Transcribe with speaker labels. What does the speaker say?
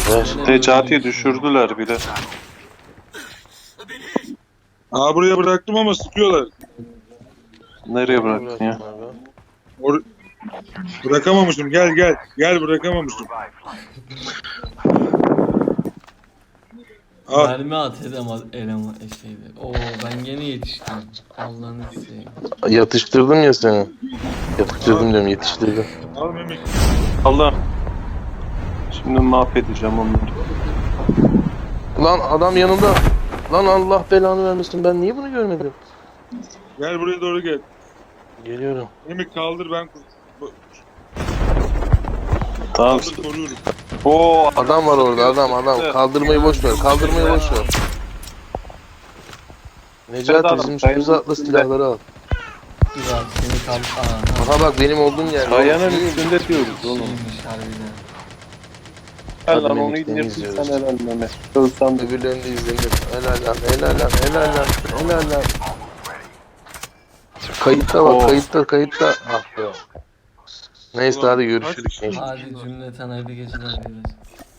Speaker 1: Ver.
Speaker 2: Necati'yi düşürdüler bile.
Speaker 3: Aa, buraya bıraktım ama sıkıyorlar.
Speaker 2: Nereye bıraktın ya?
Speaker 3: Or bırakamamışım. Gel gel. Gel, bırakamamışım. Al.
Speaker 4: Mermi at eleman şeydi. Oo ben gene yetiştim. Allah'ını seveyim.
Speaker 1: Yatıştırdım ya seni. Yatıştırdım diyorum, yetiştirdim.
Speaker 3: Al Memik.
Speaker 2: Allah. Şimdi mahvedeceğim onları.
Speaker 1: Lan adam yanımda. Lan Allah belanı vermesin, ben niye bunu görmedim?
Speaker 3: Gel buraya doğru gel.
Speaker 1: Geliyorum.
Speaker 3: Memik kaldır, ben
Speaker 2: Tamam.
Speaker 3: kaldır, koruyorum.
Speaker 2: Oo,
Speaker 1: Adam var orada, adam. Kaldırmayı boş ver, kaldırmayı boş ver. Necati bizim üstümüze atla, silahları al.
Speaker 4: Dur abi seni kal... Aha.
Speaker 1: Aha bak benim olduğum yer.
Speaker 2: kayanın üstünde diyoruz oğlum.
Speaker 4: Şeymiş harbiden.
Speaker 2: Gel
Speaker 1: Hadi
Speaker 2: lan onu
Speaker 1: Mehmet'ten
Speaker 2: indirsin
Speaker 1: izliyoruz.
Speaker 2: sen helal Mehmet. Ölsem de.
Speaker 1: Öbürlerini de izlenir. Helal lan. Kayıtta bak,
Speaker 2: Oh.
Speaker 1: kayıtta. Ah be. Neyse hadi görüşürüz.
Speaker 4: Hadi cümleten hayırlı geceler dileriz.